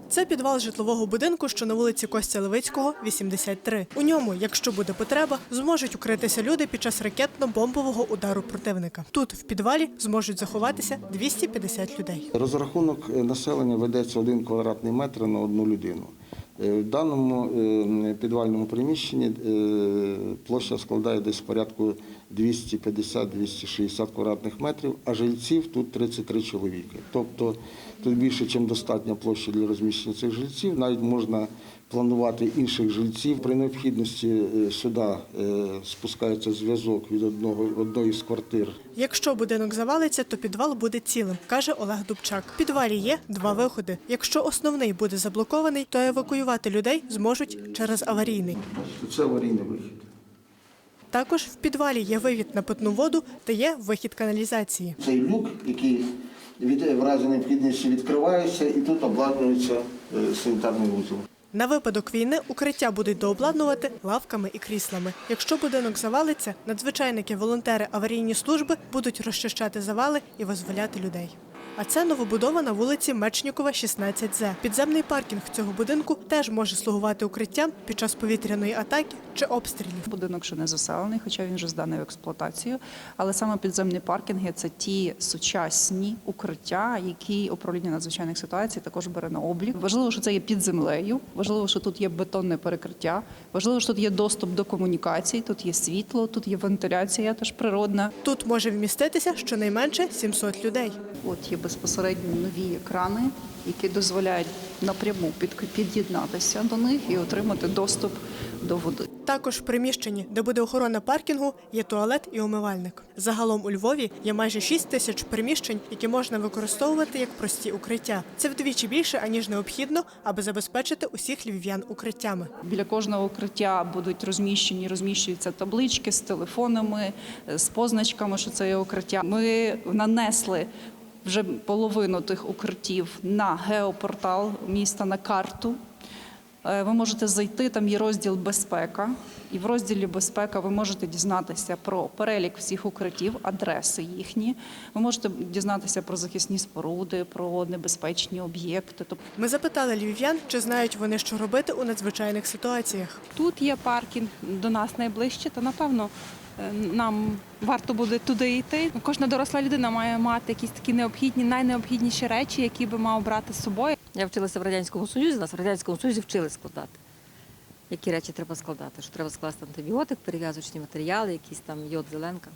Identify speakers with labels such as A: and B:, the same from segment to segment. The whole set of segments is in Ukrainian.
A: Це підвал житлового будинку, що на вулиці Костя Левицького, 83. У ньому, якщо буде потреба, зможуть укритися люди під час ракетно-бомбового удару противника. Тут, в підвалі, зможуть заховатися 250 людей.
B: Розрахунок населення ведеться 1 квадратний метр на одну людину. В даному підвальному приміщенні площа складає десь порядку 250-260 квадратних метрів, а жильців тут 33 чоловіки. Тобто тут більше, ніж достатня площа для розміщення цих жильців. Навіть можна планувати інших жильців. При необхідності сюди спускається зв'язок від одної з квартир.
A: Якщо будинок завалиться, то підвал буде цілим, каже Олег Дубчак. В підвалі є 2 виходи. Якщо основний буде заблокований, то евакуювати людей зможуть через аварійний.
B: Це аварійний вихід.
A: Також в підвалі є вивід на питну воду та є вихід каналізації.
B: Цей люк, який в разі необхідності відкривається, і тут обладнується санітарний вузол.
A: На випадок війни укриття будуть дообладнувати лавками і кріслами. Якщо будинок завалиться, надзвичайники, волонтери, аварійні служби будуть розчищати завали і визволяти людей. А це новобудова на вулиці Мечнікова, 16З. Підземний паркінг цього будинку теж може слугувати укриттям під час повітряної атаки чи обстрілів.
C: Будинок ще не заселений, хоча він вже зданий в експлуатацію. Але саме підземні паркінги – це ті сучасні укриття, які управління надзвичайних ситуацій також бере на облік. Важливо, що це є під землею, важливо, що тут є бетонне перекриття, важливо, що тут є доступ до комунікацій, тут є світло, тут є вентиляція теж природна.
A: Тут може вміститися щонайменше 700 людей.
C: От є безпосередньо нові екрани, які дозволяють напряму під'єднатися до них і отримати доступ до води.
A: Також в приміщенні, де буде охорона паркінгу, є туалет і умивальник. Загалом у Львові є майже 6 тисяч приміщень, які можна використовувати як прості укриття. Це вдвічі більше, аніж необхідно, аби забезпечити усіх львів'ян укриттями.
C: Біля кожного укриття будуть розміщуються таблички з телефонами, з позначками, що це є укриття. Ми нанесли вже половину тих укриттів на геопортал міста, на карту. Ви можете зайти, там є розділ «Безпека», і в розділі «Безпека» ви можете дізнатися про перелік всіх укриттів, адреси їхні. Ви можете дізнатися про захисні споруди, про небезпечні об'єкти.
A: Ми запитали львів'ян, чи знають вони, що робити у надзвичайних ситуаціях.
D: Тут є паркінг до нас найближче, то, напевно, нам варто буде туди йти. Кожна доросла людина має мати якісь такі найнеобхідніші речі, які би мав брати з собою.
E: Я вчилася в Радянському Союзі, нас в Радянському Союзі вчили складати. Які речі треба складати? Що треба скласти антибіотик, перев'язочні матеріали, якісь там йод, зеленка,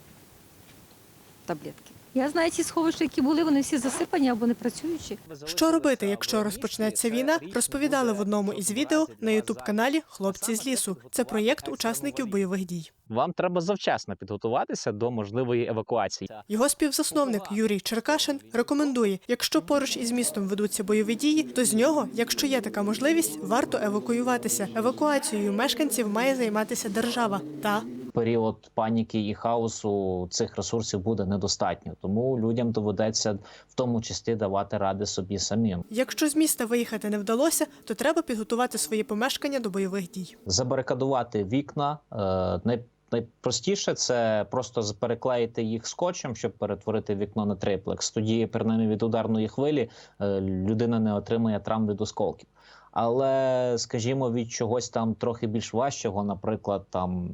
E: таблетки. Я знаю ці сховища, які були, вони всі засипані або не працюючі.
A: Що робити, якщо розпочнеться війна, розповідали в одному із відео на ютуб-каналі «Хлопці з лісу». Це проєкт учасників бойових дій.
F: Вам треба завчасно підготуватися до можливої евакуації.
A: Його співзасновник Юрій Черкашин рекомендує, якщо поруч із містом ведуться бойові дії, то з нього, якщо є така можливість, варто евакуюватися. Евакуацією мешканців має займатися держава.
G: Період паніки і хаосу цих ресурсів буде недостатньо, тому людям доведеться в тому числі давати ради собі самим.
A: Якщо з міста виїхати не вдалося, то треба підготувати свої помешкання до бойових дій.
G: Забарикадувати вікна. Найпростіше – це просто переклеїти їх скотчем, щоб перетворити вікно на триплекс. Тоді, принаймні, від ударної хвилі людина не отримає травм від осколків. Але, скажімо, від чогось там трохи більш важчого, наприклад, там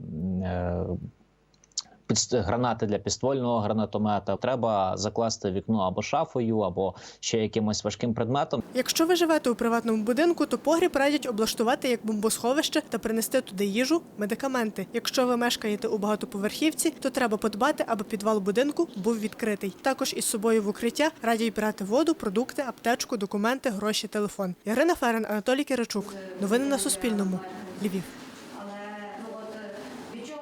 G: гранати для підствольного гранатомета, треба закласти вікно або шафою, або ще якимось важким предметом.
A: Якщо ви живете у приватному будинку, то погріб радять облаштувати як бомбосховище та принести туди їжу, медикаменти. Якщо ви мешкаєте у багатоповерхівці, то треба подбати, аби підвал будинку був відкритий. Також із собою в укриття радять брати воду, продукти, аптечку, документи, гроші, телефон. Ірина Ферен, Анатолій Киричук. Новини на Суспільному. Львів.